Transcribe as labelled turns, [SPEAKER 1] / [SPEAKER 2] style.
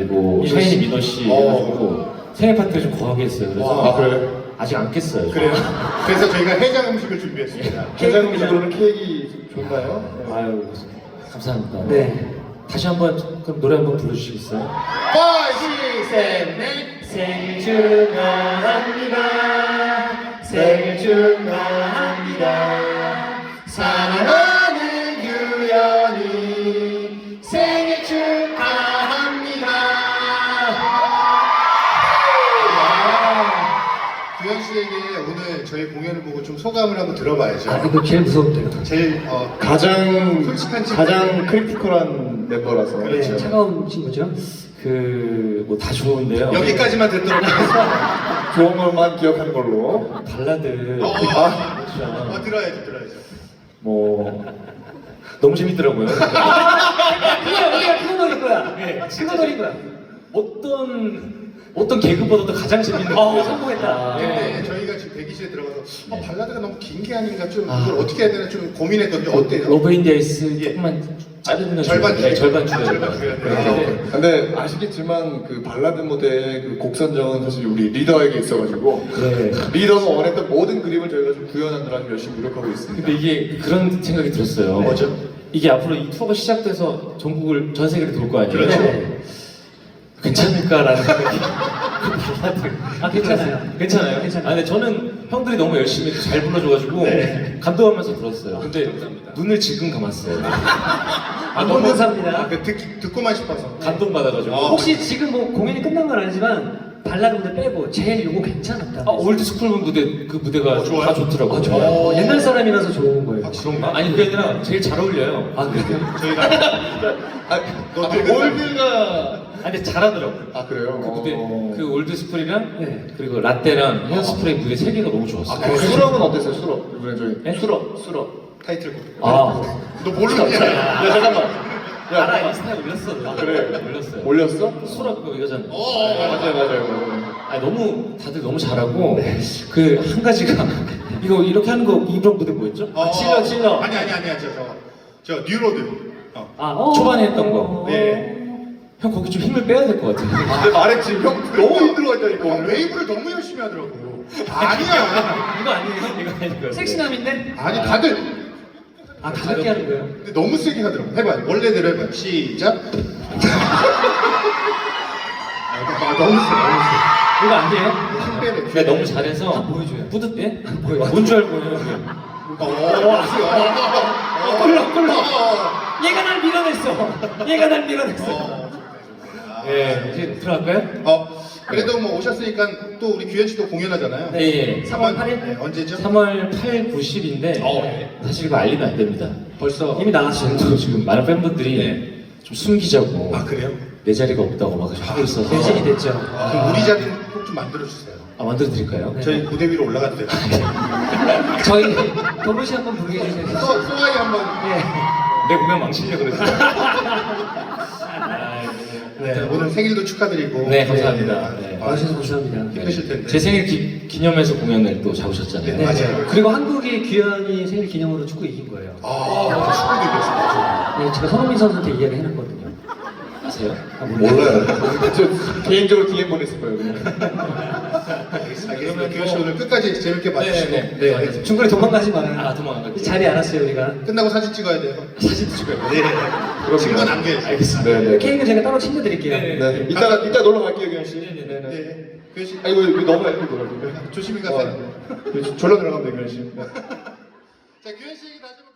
[SPEAKER 1] 그리고 샤이니 민호 씨 해가지고 생일 파티를 좀 거하게 했어요. 그래서
[SPEAKER 2] 그래.
[SPEAKER 1] 아직 안 깼어요.
[SPEAKER 3] 그래요. 그래서 저희가 해장 음식을 준비했습니다.
[SPEAKER 2] 해장 음식으로는 케이크 좋나요?
[SPEAKER 1] 아유 감사합니다.
[SPEAKER 4] 네.
[SPEAKER 1] 다시 한번 그럼 노래 한번 불러주시겠어요?
[SPEAKER 3] 5, 6, 7, 8
[SPEAKER 4] 생일 축하합니다. 생일 축하합니다.
[SPEAKER 3] 사랑하는 규현이 생일 축하합니다. 규현 씨에게 오늘 저희 공연을 보고 좀 소감을 한번 들어봐야죠.
[SPEAKER 4] 아, 이거 제일 무서운데요.
[SPEAKER 3] 제일
[SPEAKER 2] 가장
[SPEAKER 3] 솔직한 친구.
[SPEAKER 2] 크리티컬한 멤버라서.
[SPEAKER 3] 그렇죠.
[SPEAKER 4] 네, 차가운 친구죠.
[SPEAKER 1] 뭐 다 좋은데요.
[SPEAKER 3] 여기까지만 듣도록 하겠습니다.
[SPEAKER 2] 좋은 것만 기억하는 걸로.
[SPEAKER 1] 발라드
[SPEAKER 3] 들어야죠, 들어야죠.
[SPEAKER 1] 뭐 너무 재밌더라고요.
[SPEAKER 4] 우리가 그거 노릴 거야. 그거 노릴 거야.
[SPEAKER 1] 어떤 개그보다도 가장 재밌는
[SPEAKER 4] 성공했다.
[SPEAKER 3] 근데 저희가 지금 대기실에 들어가서 발라드가 너무 긴 게 아닌가 좀 이걸 어떻게 해야 되나 좀 고민했거든요. 어때요?
[SPEAKER 1] 러브 인디아이스 조금만 자르면
[SPEAKER 3] 절반 줄여야
[SPEAKER 1] 절반
[SPEAKER 3] 돼요.
[SPEAKER 1] 줄여야
[SPEAKER 3] 절반 줄여야 돼요.
[SPEAKER 1] 돼요.
[SPEAKER 2] 근데 아시겠지만 그 발라드 무대 그 곡 선정은 사실 우리 리더에게 있어가지고
[SPEAKER 1] 네.
[SPEAKER 2] 리더가 원했던 모든 그림을 저희가 좀 구현하느라 좀 열심히 노력하고 있습니다.
[SPEAKER 1] 근데 이게 그런 생각이 들었어요.
[SPEAKER 3] 뭐죠?
[SPEAKER 1] 이게 앞으로 이 투어가 시작돼서 전국을 전 세계를 돌 거 아니에요.
[SPEAKER 3] 그렇죠.
[SPEAKER 1] 네. 괜찮을까라는 생각이. 발라드.
[SPEAKER 4] 괜찮아요.
[SPEAKER 1] 괜찮아요?
[SPEAKER 4] 괜찮아요.
[SPEAKER 1] 근데 저는 형들이 너무 열심히 잘 불러줘가지고 감동하면서 들었어요. 근데 눈을 지금 감았어요.
[SPEAKER 4] 너무 감사합니다.
[SPEAKER 3] 듣고만 싶어서.
[SPEAKER 1] 감동받아가지고.
[SPEAKER 4] 혹시 지금 뭐 공연이 끝난 건 아니지만 발라드 무대 빼고 제일 요거 괜찮았다.
[SPEAKER 1] 올드스쿨 무대 그 무대가
[SPEAKER 3] 좋아요?
[SPEAKER 1] 다 좋더라고요.
[SPEAKER 4] 좋아요. 옛날 사람이라서 좋은 거예요.
[SPEAKER 1] 그런가? 아니 그게 아니라 제일 잘 어울려요.
[SPEAKER 4] 그래요?
[SPEAKER 3] 저희가
[SPEAKER 2] 올드가
[SPEAKER 1] 근데 잘하더라고.
[SPEAKER 2] 그래요?
[SPEAKER 1] 그 무대 그 올드스쿨이랑
[SPEAKER 4] 네.
[SPEAKER 1] 그리고 라떼랑 헤어스프레이 무대 세 개가 너무 좋았어요.
[SPEAKER 2] 수럽은 어땠어요? 수럽 이번에 저희
[SPEAKER 1] 네?
[SPEAKER 2] 수럽
[SPEAKER 3] 타이틀곡.
[SPEAKER 1] 아,
[SPEAKER 3] 너 모르는 게 아니야.
[SPEAKER 2] 야 잠깐만
[SPEAKER 1] 알아 인스타에 올렸어.
[SPEAKER 2] 그래.
[SPEAKER 1] 올렸어요.
[SPEAKER 2] 올렸어?
[SPEAKER 1] 수락 그거 이거잖아.
[SPEAKER 2] 맞아요.
[SPEAKER 1] 너무 다들 너무 잘하고 그 한 가지가 이거 이렇게 하는 거 이번 무대 뭐였죠? 찔러.
[SPEAKER 3] 아니 저 뉴로드.
[SPEAKER 1] 초반에 했던 거.
[SPEAKER 3] 네.
[SPEAKER 1] 형 거기 좀 힘을 빼야 될 것 같아.
[SPEAKER 2] 근데 말했지 형 너무 힘들어했다니까 오늘.
[SPEAKER 3] 웨이브를 너무 열심히 하더라고. 아니야.
[SPEAKER 1] 이거 아니에요? 이거 아니에요?
[SPEAKER 4] 섹시남인데?
[SPEAKER 3] 아니 다들
[SPEAKER 4] 가볍게 하는 거예요.
[SPEAKER 3] 근데 너무 세게 하더라고. 해봐요. 원래대로 해봐요. 시작. 너무 세.
[SPEAKER 4] 이거 안 돼요?
[SPEAKER 3] 힘 빼래.
[SPEAKER 1] 내가 너무 잘해서
[SPEAKER 4] 보여줘요.
[SPEAKER 1] 뿌듯해? 뭔줄 알고 해요?
[SPEAKER 4] 꿀러. 얘가 날 밀어냈어. 얘가 날 밀어냈어.
[SPEAKER 1] 네, 이제 들어갈까요?
[SPEAKER 3] 그래도 뭐 오셨으니까 또 우리 규현 씨도 공연하잖아요.
[SPEAKER 1] 네.
[SPEAKER 4] 3월 8일?
[SPEAKER 3] 네, 언제죠?
[SPEAKER 1] 3월 8, 9, 10인데 사실 이거 알리면 안 됩니다.
[SPEAKER 3] 벌써
[SPEAKER 4] 이미 나왔어요.
[SPEAKER 1] 지금 많은 팬분들이 좀 숨기자고
[SPEAKER 3] 그래요?
[SPEAKER 1] 내 자리가 없다고 막 하고 있어서
[SPEAKER 4] 대신이 됐죠.
[SPEAKER 3] 그럼 우리 자리는 꼭 좀 만들어 주세요.
[SPEAKER 1] 만들어 드릴까요?
[SPEAKER 3] 저희 무대 위로 올라가도 돼요.
[SPEAKER 4] 저희 도로시 한번 부르게 해주세요.
[SPEAKER 3] 소아이 한번.
[SPEAKER 1] 내 공연 망치려고 그랬어.
[SPEAKER 3] 네, 오늘 생일도 축하드리고.
[SPEAKER 1] 네, 감사합니다. 네.
[SPEAKER 4] 와주셔서 감사합니다.
[SPEAKER 3] 힘드실 텐데.
[SPEAKER 1] 제 생일 기념해서 공연을 또 잡으셨잖아요.
[SPEAKER 3] 네, 맞아요.
[SPEAKER 4] 그리고 한국이 규현이 생일 기념으로 축구 이긴 거예요.
[SPEAKER 3] 축구도 이겼어요.
[SPEAKER 4] 네, 제가 손흥민 선수한테 이야기 해놨거든요.
[SPEAKER 1] 아세요?
[SPEAKER 2] 몰라요. 저 개인적으로 DM 보냈을 거예요. 그냥.
[SPEAKER 3] 알겠습니다. 규현 씨 오늘 끝까지 재밌게 봐주시고.
[SPEAKER 1] 네.
[SPEAKER 4] 중간에 도망가지 마요.
[SPEAKER 1] 도망 안 갈게요.
[SPEAKER 4] 자리 알았어요, 우리가.
[SPEAKER 3] 끝나고 사진 찍어야 돼요.
[SPEAKER 1] 사진도 찍어요.
[SPEAKER 3] 네. 증거 남겨야죠.
[SPEAKER 1] 알겠습니다.
[SPEAKER 2] 네.
[SPEAKER 4] 케이크는 제가 따로 챙겨드릴게요.
[SPEAKER 2] 네. 이따 놀러 갈게요, 규현 씨.
[SPEAKER 3] 네. 규현 씨.
[SPEAKER 2] 아니 왜 너무 얇게 놀아요?
[SPEAKER 3] 조심히 가세요.
[SPEAKER 2] 졸라 들어가면 돼, 규현 씨.
[SPEAKER 3] 자, 규현 씨 다시 한번.